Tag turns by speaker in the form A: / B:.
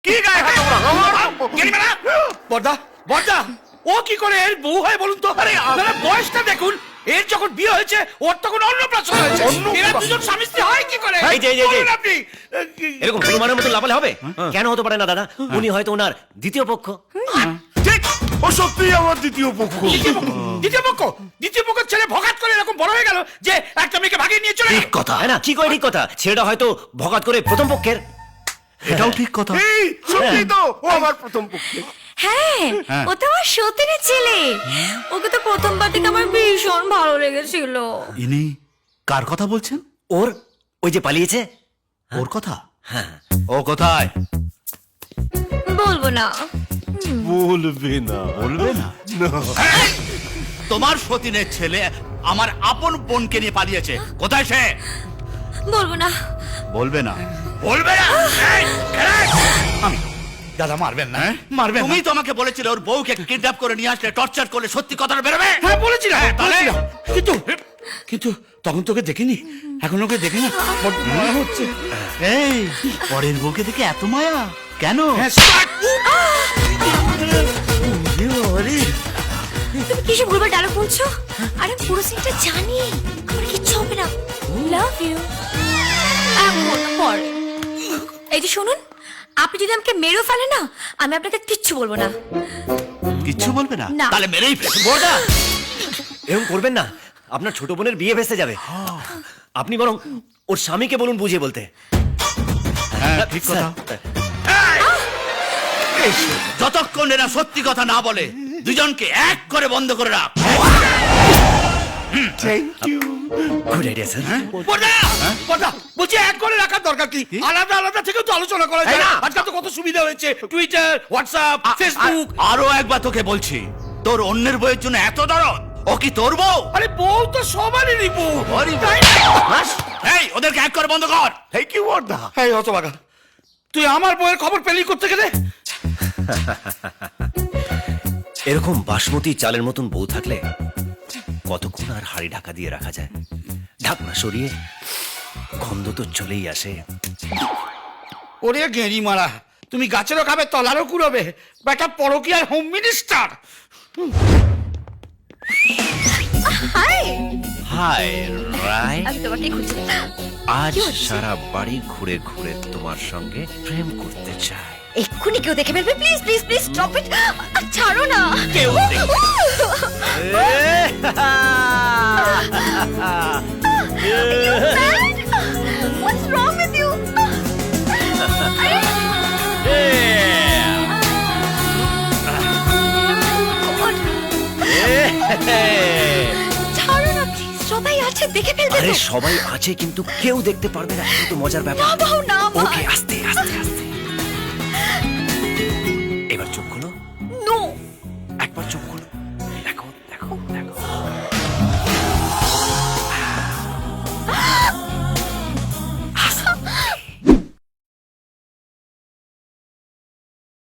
A: কি গায়ে হাত তোমরা? বড়দা বড়দা, ও কি করে এর বউ হয় বলুন তো? আরে বয়সটা দেখুন, এর যখন বিয়ে হয়েছে ওর তখন অন্নপ্রাশন হয়েছে। এরা দুজন স্বামী স্ত্রী হয় কি করে?
B: এই যে,
A: বলুন আপনি।
B: এরকম হনুমানের মতো লাফালে হবে? কেন হতে পারে না দাদা? উনি হয়তো ওনার দ্বিতীয় পক্ষ।
A: ঠিক,
C: ও সত্যি আমার দ্বিতীয় পক্ষ।
A: দ্বিতীয় পক্ষের ছেলে ভগাত করে এরকম বড় হয়ে গেল যে একটা মেয়েকে ভাগিয়ে নিয়ে চলে গেল।
B: ঠিক কথা, হ্যাঁ না? কি করে ঠিক কথা? ছেলেটা হয়তো ভগাত করে প্রথম পক্ষের।
D: এটাও ঠিক কথা।
C: এই সত্যি তো ও আমার প্রথম পক্ষ।
E: হ্যাঁ, ও তো আমার সতীনের ছেলে। ওকে তো প্রথমবার থেকে আমার ভীষণ ভালো লেগেছিল।
D: ইনি কার কথা বলছেন?
B: ওর ওই যে পালিয়েছে।
D: ওর কথা?
B: হ্যাঁ।
D: ও কোথায়?
E: বলবো না।
C: বলবে না।
D: বলবে না? তোমার সতীনের ছেলে আমার আপন বোনকে নিয়ে পালিয়েছে। কোথায় সে?
E: বলবো না।
D: বলবে না?
A: বলবে না। দাদা মারবেন না, মারবেন না।
D: তুমি তো আমাকে বলেছিলে ওর বউকে কিডন্যাপ করে নিয়ে আসলে টর্চার করলে সত্যি কথাটা বেরোবে।
A: হ্যাঁ বলেছিলাম,
D: তাহলে?
A: কিন্তু তখন তোকে দেখিনি, এখন ওকে দেখে না বড্ড মনে হচ্ছে।
D: এই পরের বউকে দেখে এত মায়া কেন?
A: হ্যাঁ, start!
E: তুমি কি সব ভুলভাল ডায়লগ বলছো? আরে পুরো সিনটা জানি। আমার কিচ্ছু হবে না। Love you. পরে এই যে শুনুন, আপনি যদি আমাকে মেরেও ফেলেন না, আমি আপনাকে কিচ্ছু বলবো না।
D: কিচ্ছু বলবে না?
E: না।
D: তাহলে মেরেই ফেল।
B: বড়দা, এরকম করবেন না, আপনার ছোট বোনের বিয়ে ভেসে যাবে। আপনি বরং ওর স্বামীকে বলুন বুঝিয়ে বলতে।
D: হ্যাঁ ঠিক কথা। যতক্ষণ এরা সত্যি কথা না বলে দুজনকে এক করে বন্ধ করে রাখ।
C: Thank you.
B: Good idea sir.
A: বড়দা, বলছি এক করে রাখার দরকার কি? আলাদা আলাদা থেকেও তো আলোচনা করা যায়।
B: না।
A: আজকাল তো কত সুবিধা হয়েছে, টুইটার, হোয়াটসঅ্যাপ, ফেসবুক।
D: আরো একবার তোকে বলছি, তোর অন্যের বইয়ের জন্য এত দরদ? ও কি তোর বউ?
A: আরে বউ তো সবারই বউ।
D: এই ওদেরকে এক করে বন্ধ কর।
C: থ্যাংক ইউ বড়দা।
A: এই হতভাগা, তুই আমার বউয়ের খবর পেলি করতে গেলে?
B: এরকম বাসমতি চালের মতন বউ থাকলে কতক্ষণ আর হাড়ি ঢাকা দিয়ে রাখা যায়? ঢাকনা সরিয়ে গন্ধ তো চলেই আসে।
A: ওরে গেঁড়ি মারা, তুমি গাছেরও খাবে তলারও কুড়োবে, বেটা পরকীয়ার home minister.
E: Hi,
B: hi Rai,
E: আমি তোমাকে খুঁজছি।
B: আজ
E: কি হচ্ছে?
B: সারা বাড়ি ঘুরে ঘুরে তোমার সঙ্গে প্রেম করতে চাই।
E: এক্ষুনি কেউ দেখে ফেলবে। Please please please stop it. ছাড়ো না।
B: কেউ
E: What's wrong with you? ছাড়ো না প্লিজ, সবাই আছে দেখে ফেলবে
B: আরে
E: তো।
B: সবাই আছে কিন্তু কেউ দেখতে পারবে না, এত মজার ব্যাপার।
E: না বাবু, না মা।
B: ওকে, আস্তে আস্তে আস্তে।